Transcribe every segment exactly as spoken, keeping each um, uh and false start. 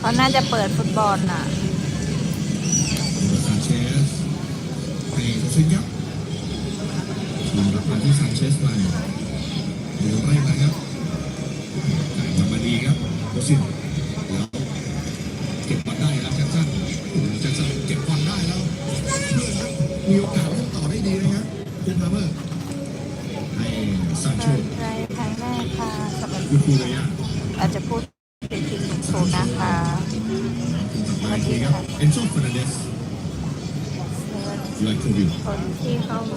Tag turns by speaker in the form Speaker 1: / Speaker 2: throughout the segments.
Speaker 1: เขาน่าจะเปิดฟุตบอลน่ะ
Speaker 2: ซานเชสให้โคซินครับทีมรับมาที่ซานเชสมาเดี๋ยวไล่มาครับจ่ายมามาดีครับโคซินแล้วเก็บบอลได้แล้วแจ็คสันโอ้โหแจ็คสันเก็บบอลได้แล้วมีโอกาสเล่นต่อได้ดีนะครับเจนพาเมอร์ให้ซานโช
Speaker 1: ใจครั้งแรกค่ะสำหรับ
Speaker 2: คือคูเลยอ่ะ
Speaker 1: อาจจะพูดเป็นทีมสูงนะคะ
Speaker 2: สวัสดีครับเอนโซฟานาเดสไลโควิล
Speaker 1: คนที่เข้ามา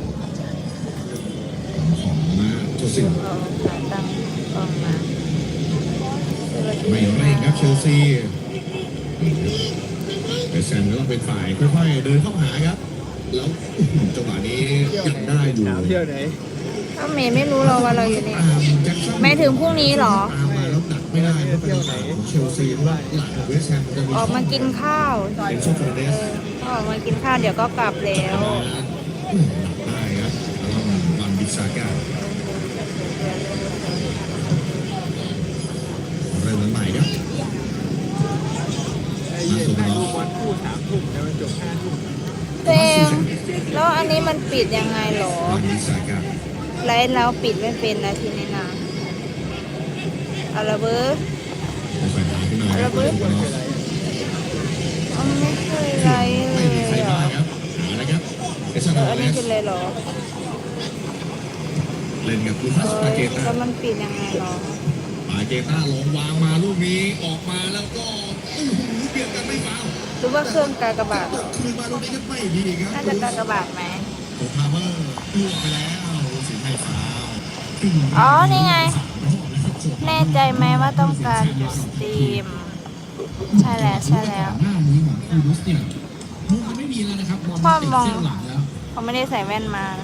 Speaker 2: ของมาโจซิน
Speaker 1: เอาขาตั้งออกมา
Speaker 2: ไม่เร่งครับเชลซีแต่แซมก็ต้องเป็นฝ่ายค่อยๆเดินเข้าหาครับแล้วจังหวะนี้ยังได้อยู่
Speaker 3: เที่ยวไหน
Speaker 1: ถ้าเมย์ไม่รู้เราว่าเราอยู่นี่ไม่ถึงพรุ่งนี้หรอ
Speaker 2: ตามมาแล้วดักไม่ได้เพราะเป็นฝ่ายของเชลซีเพราะว่าหลังของเวสต์แฮมจะมี
Speaker 1: ออกมากินข้าว
Speaker 2: เป็นโซฟาเดส
Speaker 1: ก็ออกมากินข้าวเดี๋ยวก็กลับแล้ว
Speaker 2: ได้ครับแล้ววันบิซาก้าเริ่มใหม่ครับมาสุดท้าย
Speaker 3: วันคู่สามทุ่มแล้วมันจบห้าทุ่ม
Speaker 1: เต็มแล้วอันนี้มันปิดยังไงหรอ
Speaker 2: วันบิซาก้า
Speaker 1: ไลฟ์แล้วปิดไม่เป็นนะทีนี้นะอะไรเบอร์อะไรเบอร์อันไม่เคยไลฟ์เลยอ่ะเอออันนี้คืออะไรหรอ
Speaker 2: เล่นกับลูคัสปาเกต้า
Speaker 1: แล้วมันปิดยังไงหรอ
Speaker 2: ปาเกต้าลงวางมาลูกนี้ออกมาแล้วก็เปลี่ยนกันไม่ฟาว
Speaker 1: หรือว่าเครื่องกากบาท
Speaker 2: คืนมาลูกนี้ก็ไม่ดีครับ
Speaker 1: น่าจะกากบาทไหม
Speaker 2: โคพาเมอร์ล่วงไปแล้วสิงห์ไทยฟาว
Speaker 1: อ๋อนี่ไงแน่ใจไหมว่าต้องการจุดสตรีมใช่แล้วใช่แล้ว
Speaker 2: หน้านี้ของคูรุสเนี่ยมุมมันไม่มีแล้วนะครับบอลติดเส้นหลังแล้ว
Speaker 1: เขาไม่ได้ใส่แว่นมา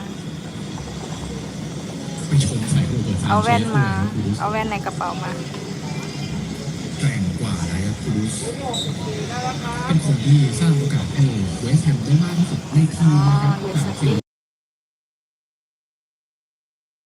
Speaker 2: ไปชมใส่ตัว
Speaker 1: เอาแว่นมาเอาแว่นในกระเป๋ามา
Speaker 2: แกร่งกว่านะครับคูรุสเป็นคนที่สร้างโอกาสให้เวสต์แฮมได้มากที่สุดในทีมนะครับ